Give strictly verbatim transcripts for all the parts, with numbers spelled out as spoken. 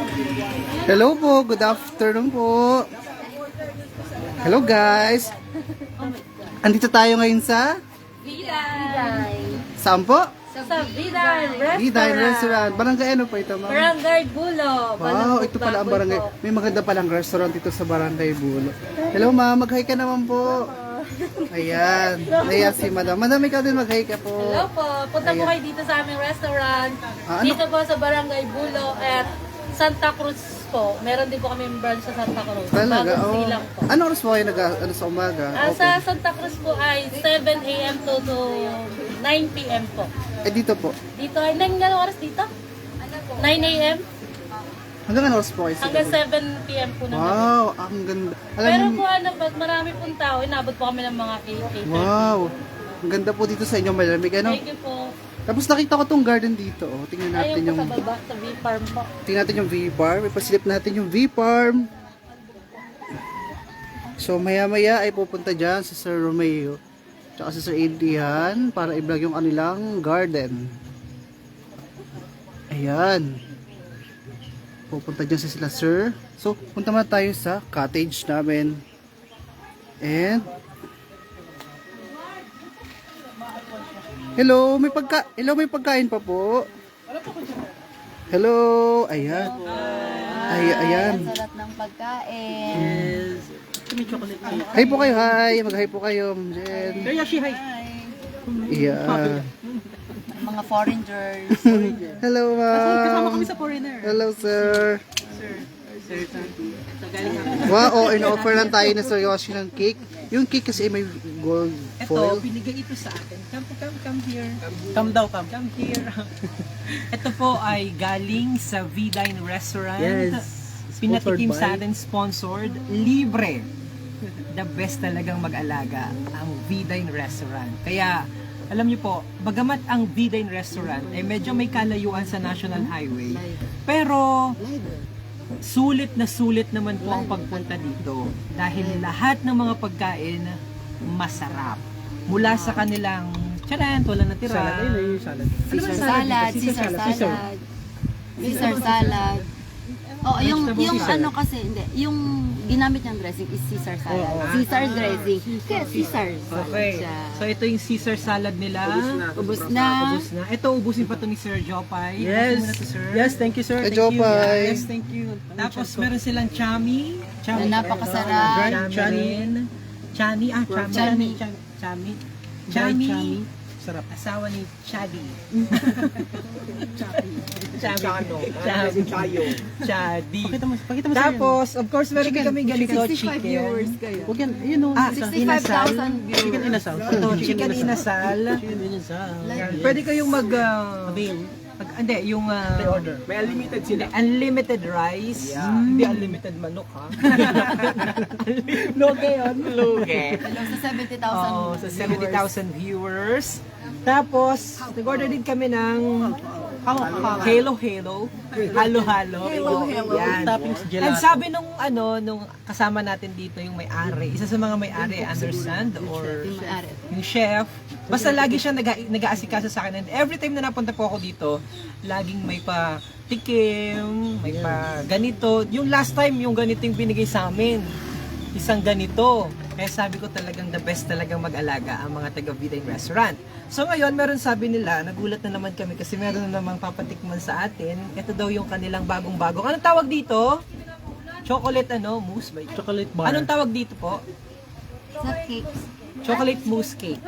Hello po, good afternoon po. Hello guys. Andito tayo ngayon sa Viday. saan po? Sa Viday Restaurant. Viday Restaurant. Barangay ano po ito, ma'am? Barangay Bulo. Wow, ito pala ang barangay. May maganda palang restaurant dito sa Barangay Bulo. Hello ma'am, mag-hi ka naman po. Ayan. Ayan si madam. Madam, ikaw din mag-hi ka po. Hello po. Punta po Ayan. kayo dito sa aming restaurant. Ah, ano? Dito po sa Barangay Bulo at Santa Cruz po. Meron din po kami branch sa Santa Cruz. Talaga? Bagong Oh. silang po. Ano oras po kayo nag ano, sa umaga? Ah, Sa Santa Cruz po ay seven a m to, to nine p m po. Eh dito po. Dito ay nine nga oras dito? nine a m Hanggang ano oras po kayo? hanggang seven p m po naman. Wow, ang ganda. Alam Pero niyo- po ano, pag marami pong tao, inabot po kami ng mga cater. Wow. Ang ganda po dito sa inyo, malamig ano? Thank you po. Tapos nakita ko tong garden dito. Oh. Tingnan natin Ayun po yung sa baba, sa V-Farm po. tingnan natin yung V-Farm. Ipasilip natin yung V-Farm. So maya-maya ay pupunta diyan si Sir Romeo tsaka si Sir Adrian para i-vlog yung kanilang garden. Ayan. Pupunta diyan sa sila Sir. So punta muna tayo sa cottage namin. And Hello, may pagka Hello, may pagkain pa po. Hello, ayan. Ay, ayan. Sarap ng pagkain. Hi po kayo, hi. Mag-hi po kayo, Ma'am Jen. Hi. Yeah. Mga foreigners. Hello, ma'am. sa foreigner. Hello, sir. Wow, oh, in-offer lang tayo na Sir Yoshi ng cake. Yung cake kasi may gold Ito, foil. binigay ito sa akin. Come, come, come here. Come daw, come. Come here. Ito po ay galing sa V-Dine Restaurant. Yes. Pinatikim Sponsored sa by- atin, sponsored. Libre. The best talagang mag-alaga ang V-Dine Restaurant. Kaya, alam niyo po, bagamat ang V-Dine Restaurant ay medyo may kalayuan sa National Highway, pero sulit na sulit naman po ang pagpunta dito dahil lahat ng mga pagkain masarap. Mula sa kanilang charan, wala natira. Salad, ayun, ayun yung salad. Caesar salad, Caesar salad. Caesar salad. Oh, yung yung ano kasi hindi, yung ginamit niyang dressing is Caesar salad. Caesar dressing. Kaya Caesar. Okay. So ito yung Caesar salad nila. Ubus na. Ubus na. Ito ubusin pa to ni Sir Jopay. Yes. Ubusin mo na to, sir. Yes, thank you, sir. Hey, Thank you. Jopay. Yes, thank you. Tapos meron silang chami. Chami. Na napakasarap. Chami. Chani. rin. Chani. Ah, chami. Chami. Chami. Chami. Chami. Chami. Sarap. Asawa ni Chadi. Chami. Chano. Chami. Chayo. Chadi. Pakita mo, pakita mo sir. Tapos, of course, meron din kami ganito, sixty-five viewers kayo. Huwag yan, yun o. Ah, sixty-five thousand Chicken viewers. inasal. Ito, chicken inasal. Chicken inasal. Pwede kayong mag... Uh, mag hindi, yung... Uh, Order. May unlimited sila. unlimited rice. Hindi unlimited manok, ha? Loge yun. Loge. Hello sa seventy thousand. Oh, sa seventy thousand viewers. Tapos, nag-order din kami ng Halo Halo. Halo Halo. Halo Halo. Yan. Toppings gelato. And sabi nung ano, nung kasama natin dito yung may-ari, isa sa mga may-ari, understand or yung chef, basta lagi siya nag- nag-aasikaso sa akin. And every time na napunta po ako dito, laging may pa tikim, may pa ganito. Yung last time, yung ganito yung binigay sa amin. Isang ganito. Kaya sabi ko talagang the best talagang mag-alaga ang mga taga V-Dine Restaurant. So ngayon, meron sabi nila, nagulat na naman kami kasi meron na namang papatikman sa atin. Ito daw yung kanilang bagong-bagong. Anong tawag dito? Chocolate ano? Mousse ba? Chocolate bar. Anong tawag dito po? Sa cakes. Chocolate mousse cake.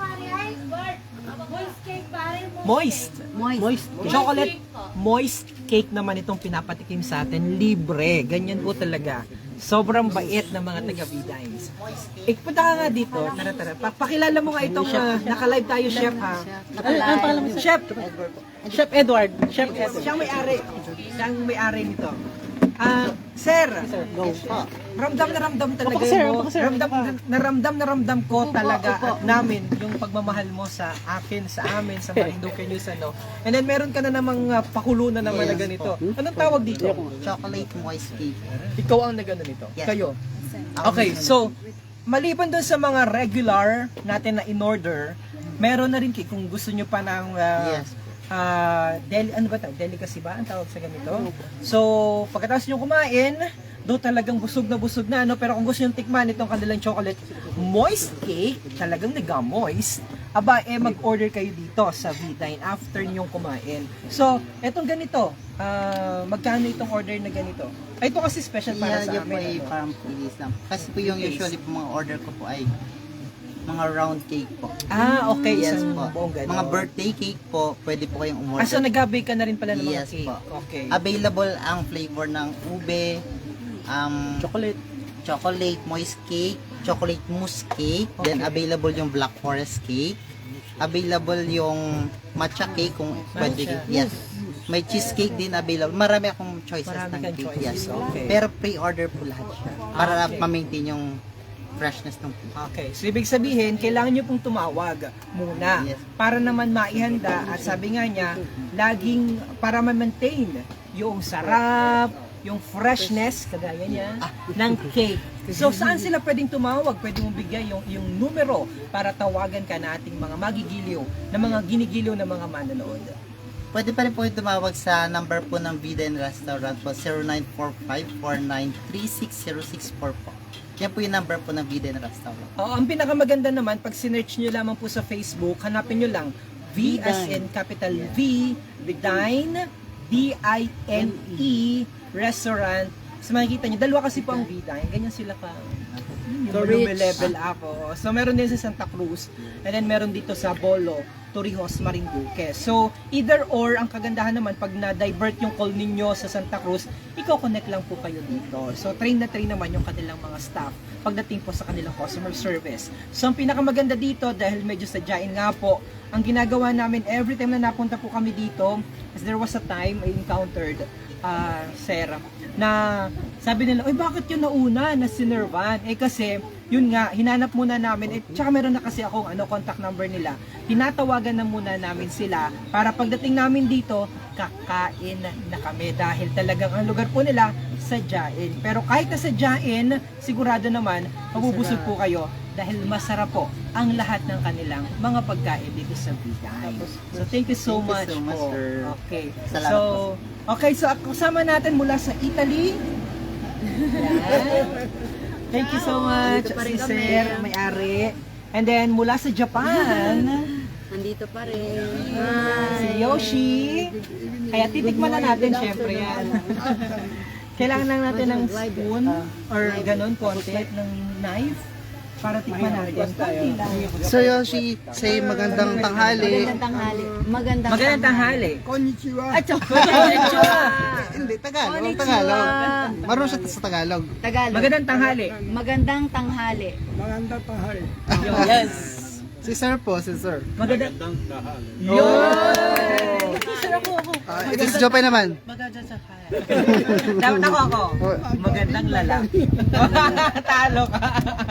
Moist. Moist. Moist. Chocolate moist cake naman itong pinapatikim sa atin. Libre. Ganyan po talaga. Sobrang bait ng mga taga V-Dines. Eh, punta ka nga dito. Tara, tara. Pa- Pakilala mo nga itong uh, naka-live tayo, chef, ha? Ano pangalan mo? Chef. Chef Edward. Chef Edward. Siya ang may-ari. Siya ang may-ari nito. Ah, sir. Go. Ramdam na ramdam talaga Opo, sir. mo. Opo, sir. Ramdam na ramdam na ramdam ko Opo, talaga opo. at namin yung pagmamahal mo sa akin, sa amin, sa Marinduque News, ano. And then meron ka na namang uh, pakulo na naman na ganito. Anong tawag dito? Chocolate moist cake. Ikaw ang nagano nito. Yes. Kayo. Okay, so maliban doon sa mga regular natin na in order, meron na rin ki- kung gusto nyo pa ng uh, Yes. ah, deli, ano ba ito? Delicacy ba ang tawag sa ganito? So, pagkatapos nyo kumain, do talagang busog na busog na, no? Pero kung gusto nyo tikman itong kanilang chocolate moist cake, talagang nag-moist, aba, eh, mag-order kayo dito sa V-Dine after nyong kumain. So, etong ganito, ah, magkano itong order na ganito? Ay, ito kasi special para Yan, sa yan po ay amin. ano? parang pilis lang. Kasi po yung usually po mga order ko po ay mga round cake po. Ah, okay. Yes Isang po. buong ganon. Mga birthday cake po, pwede po kayong umorder. Ah, so nag-bake ka na rin pala ng mga Yes cake. po. Okay. Available ang flavor ng ube, um, Chocolate. chocolate moist cake, chocolate mousse cake, then Okay. available yung black forest cake, available yung matcha cake kung pwede. Matcha. Yes. May cheesecake din available. Marami akong choices Marami ng kang cake. choices. Yes. Okay. Pero pre-order po lahat siya para Okay. ma-maintain yung freshness ng cake. Okay, so ibig sabihin, kailangan nyo pong tumawag muna Yes. para naman maihanda at sabi nga niya, laging para ma-maintain yung sarap, yung freshness, kagaya niya, ng cake. So saan sila pwedeng tumawag? Pwede mong bigay yung, yung numero para tawagan ka na ating mga magigiliw, na mga ginigiliw na mga manonood. Pwede pa rin po yung tumawag sa number po ng V-Dine Restaurant po, zero nine four five, four nine three six zero six four po. Yan po yung number po ng V-Dine Restaurant. Oo, ang pinakamaganda naman, pag sinearch nyo lamang po sa Facebook, hanapin nyo lang V as in capital V, Dine, D I N E, restaurant. So makikita nyo, dalawa kasi po ang V-Dine, ganyan sila ka. Yung level up. Oo. So meron din sa Santa Cruz, and then meron dito sa Bolo, Torrijos, Marinduque. So, either or, ang kagandahan naman, pag na-divert yung call ninyo sa Santa Cruz, i-connect lang po kayo dito. So, train na train naman yung kanilang mga staff pagdating po sa kanilang customer service. So, ang pinakamaganda dito, dahil medyo sadyain nga po, ang ginagawa namin every time na napunta po kami dito, as there was a time I encountered uh, Sarah, na sabi nila, oy, bakit yun nauna na sinervan? Eh kasi, yun nga, hinanap muna namin, eh, tsaka meron na kasi akong ano, contact number nila. Tinatawagan na muna namin sila para pagdating namin dito, kakain na kami dahil talagang ang lugar po nila, sadyain. Pero kahit na sadyain, sigurado naman, mabubusog po kayo dahil masarap po ang lahat ng kanilang mga pagkain dito sa V-Dine. So, thank you so Thank you much so much, po. sir. Okay. Salamat So, po. okay, so kasama natin mula sa Italy. Yan. Thank you so much, Dito pa rin si kami. Sir, may-ari. And then, mula sa Japan, Nandito pa rin. si Yoshi. Kaya titikman na natin, syempre yan. Kailangan lang natin ng spoon or ganun, konti ng knife para tikman natin. Konti lang. So Yoshi, say magandang tanghali. Magandang tanghali. Magandang, Magandang tanghali. At Hindi, Tagalog. Konnichiwa. Tagalog. Marunong siya sa Tagalog. Tagalog. Magandang tanghali. Magandang tanghali. Yes. Si Sir po, si Sir. Magandang Yun! Sir ako ako. Ah, ito si Jopay naman. Magandang tanghali. Dapat ako ako. Magandang lalaki. Talo ka.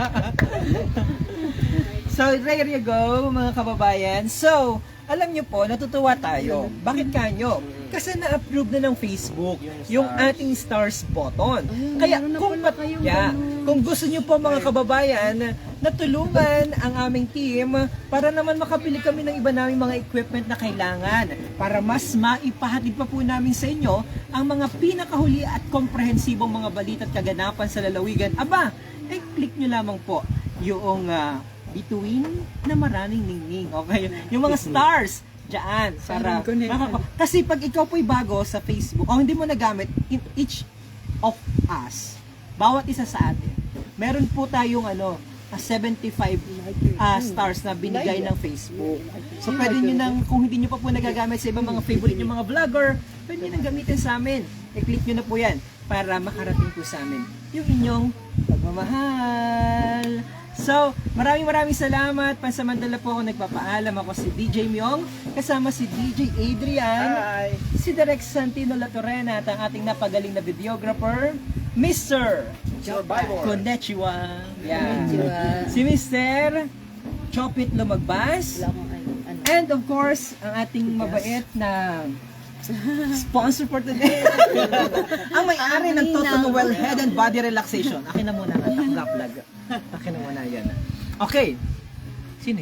So, there you go, mga kababayan. So, alam nyo po, natutuwa tayo. Bakit kanyo? Kasi na-approve na ng Facebook yung ating stars button. Kaya kung, pat- yeah, kung gusto nyo po mga kababayan na tulungan ang aming team para naman makabili kami ng iba naming mga equipment na kailangan para mas maipahatid pa po namin sa inyo ang mga pinakahuli at komprehensibong mga balita at kaganapan sa lalawigan. Aba, eh click nyo lamang po yung uh, bituin na maraming ningning. Okay? Yung mga stars dyan. Para, makaka- kasi pag ikaw po'y bago sa Facebook, o hindi mo nagamit, in each of us, bawat isa sa atin, meron po tayong ano, ah, seventy-five ah, stars na binigay ng Facebook. So pwede nyo nang, kung hindi nyo pa po nagagamit sa ibang mga favorite nyo mga vlogger, pwede nyo nang gamitin sa amin. I-click nyo na po yan para makarating po sa amin yung inyong pagmamahal. So, maraming maraming salamat. Pansamantala po ako nagpapaalam. Ako si D J Myong, kasama si D J Adrian, Hi. si Direk Santino Latorena at ang ating napagaling na videographer, Mister Survivor. Konnichiwa. Yan. Si Mister Chopit Lumagbas. And of course, ang ating mabait na sponsor for today. Ang may-ari ng Toto Noel Head and Body Relaxation. Akin na muna nga, vlog. Akin na muna yan. Okay. Sino yan?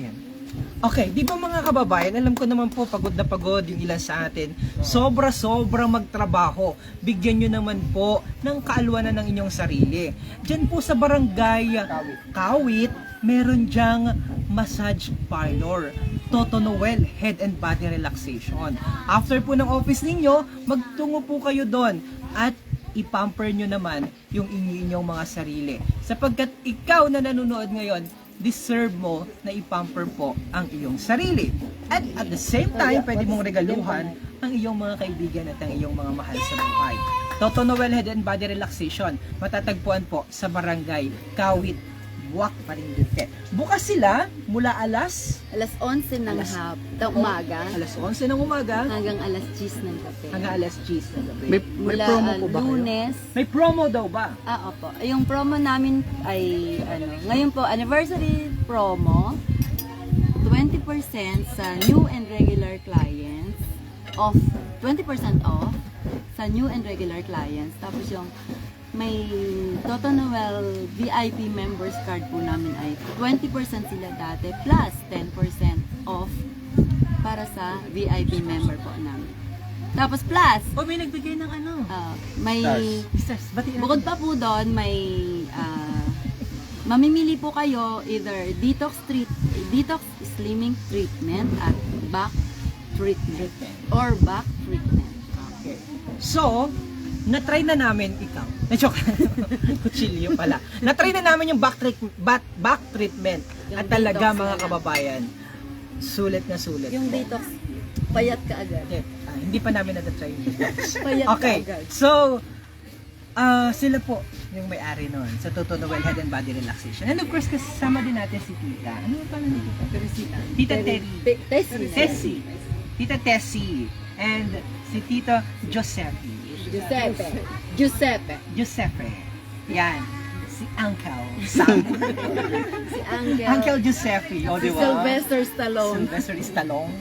Okay, di ba mga kababayan, alam ko naman po pagod na pagod yung ilan sa atin. Sobra-sobra magtrabaho. Bigyan nyo naman po ng kaalwanan ng inyong sarili. Diyan po sa barangay Kawit, meron dyang massage parlor. Toto Noel Head and Body Relaxation. After po ng office ninyo, magtungo po kayo doon at ipamper nyo naman yung inyong mga sarili. Sapagkat ikaw na nanonood ngayon, deserve mo na ipamper po ang iyong sarili. At at the same time, pwede mong regaluhan ang iyong mga kaibigan at ang iyong mga mahal sa buhay. Toto Noel Head and Body Relaxation, matatagpuan po sa Barangay Kawit, Buwak, Marinduque. Bukas sila mula alas Alas onse ng hap, ng umaga, alas onse ng umaga hanggang alas diyes ng gabi. hanggang alas diyes ng gabi. May, may Mula promo ah, po ba kayo? Lunes, May promo daw ba? ah, opo. Yung promo namin ay, ano, ngayon po, anniversary promo, twenty percent sa new and regular clients, off, twenty percent off sa new and regular clients. Tapos yung may Toto Noel V I P members card po namin ay twenty percent sila dati plus ten percent off para sa V I P member po namin. Tapos plus, O may nagbigay ng ano? ah, may Stars, batiin natin. bukod pa po doon, may ah, mamimili po kayo either detox treat, detox slimming treatment at back treatment or back treatment. Okay. So, na-try na namin ikaw. Na-joke. Kutsilyo pala. Na-try na namin yung back, treat, back, back treatment. Yung At talaga detox mga na lang. kababayan, sulit na sulit. Yung detox, payat ka agad. Okay. Ah, hindi pa namin na-try yung detox. Payat Okay. ka agad. So, ah sila po yung may-ari nun sa Toto Noel Head and Body Relaxation. And of course, kasama din natin si Tita. Ano pa lang Tita? Teresita. Tita Terry. Tessie. Tessie. Tita Tessie. And si Tito Giuseppe. Giuseppe. Giuseppe. Giuseppe. Yan. Si Uncle Sam. Si Angel. Uncle Giuseppe. O, Si di ba? Sylvester Stallone. Sylvester Stallone.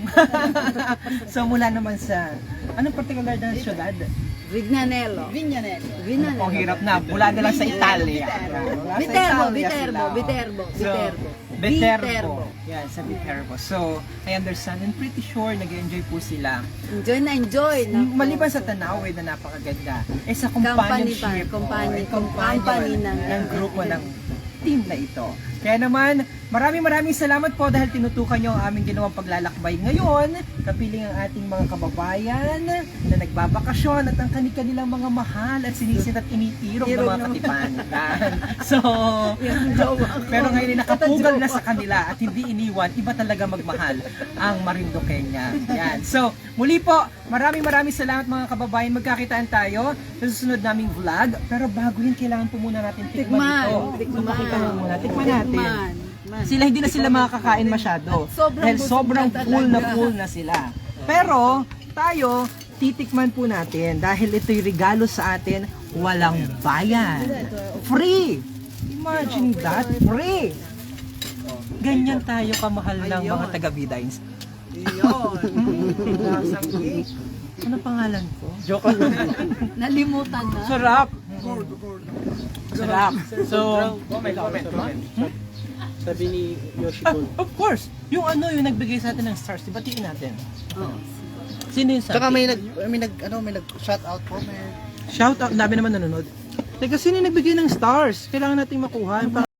So, mula naman sa, anong particular na syudad? Vignanello. Vignanello. Vignanello. Ang hirap na. Mula na lang sa Italia. Mula sa Viterbo, Italia Viterbo, sila. Viterbo, So, Viterbo. Viterbo. Viterbo. Yan, sa Viterbo. So, I understand and pretty sure nag-enjoy po sila. Enjoy na enjoy. Naku. Maliban sa Tanawe na napakaganda, eh sa Company companionship, pa, company, oh, companion company ng- ng grupo ng team na ito. Kaya naman, maraming maraming salamat po dahil tinutukan nyo ang aming ginawang paglalakbay ngayon, kapiling ang ating mga kababayan na nagbabakasyon at ang kanilang mga mahal at sinisit at initirog ng mga katipan. Yan. So, pero ngayon ay nakapugal na sa kanila at hindi iniwan, iba talaga magmahal ang Marinduqueña. Yan. So, muli po, maraming maraming salamat mga kababayan. Magkakitaan tayo sa susunod naming vlog. Pero bago yun, kailangan po muna natin tikman Tikman, ito. tikman. Pakita mo muna. Tikman natin. Man, man. Sila hindi na sila makakakain masyado. At sobrang Dahil busog sobrang na full na talaga. full na sila. Pero, tayo, titikman po natin dahil ito'y regalo sa atin, walang bayan. Free! Imagine that, free! Ganyan tayo kamahal ng mga taga-Vidines. Ano pangalan ko? Joke Nalimutan na. Sarap! Sarap! So, comment, comment, comment. Sabi ni Yoshiko. Ah, of course! Yung ano, yung nagbigay sa atin ng stars, di batiin natin. Oo. Sino yung Tsaka sabi? may nag, may nag, ano, may nag shout out po, may Shout out, dami naman nanonood. Teka, sino yung nagbigay ng stars? Kailangan nating makuha.